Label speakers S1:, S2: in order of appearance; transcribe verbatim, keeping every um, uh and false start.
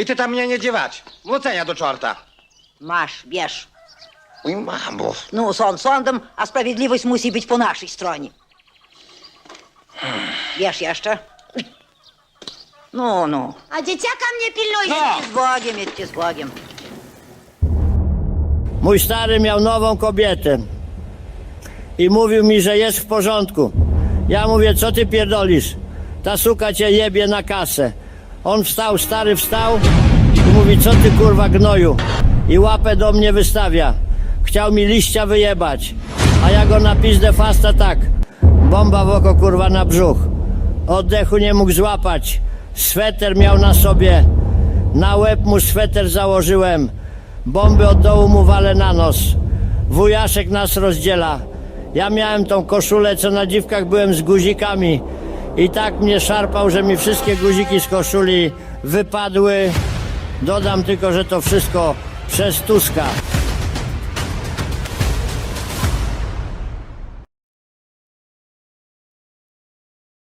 S1: I ty tam mnie nie dziewać. Włócenia do czorta.
S2: Masz, bierz.
S1: Oj, mamo.
S2: Ну, сон sądem, a sprawiedliwość musi być po naszej stronie. Bierz jeszcze. No, no.
S3: A dzieciaka mnie pilnuje.
S1: No.
S2: Z Bogiem, jedźcie z Bogiem.
S4: Mój stary miał nową kobietę i mówił mi, że jest w porządku. Ja mówię, co ty pierdolisz? Ta suka cię jebie na kasę. On wstał, stary wstał i mówi, co ty kurwa gnoju? I łapę do mnie wystawia. Chciał mi liścia wyjebać, a ja go na pizdę fasta tak. Bomba w oko kurwa na brzuch. Oddechu nie mógł złapać. Sweter miał na sobie. Na łeb mu sweter założyłem. Bomby od dołu mu walę na nos. Wujaszek nas rozdziela. Ja miałem tą koszulę, co na dziwkach byłem z guzikami. I tak mnie szarpał, że mi wszystkie guziki z koszuli wypadły. Dodam tylko, że to wszystko przez Tuska.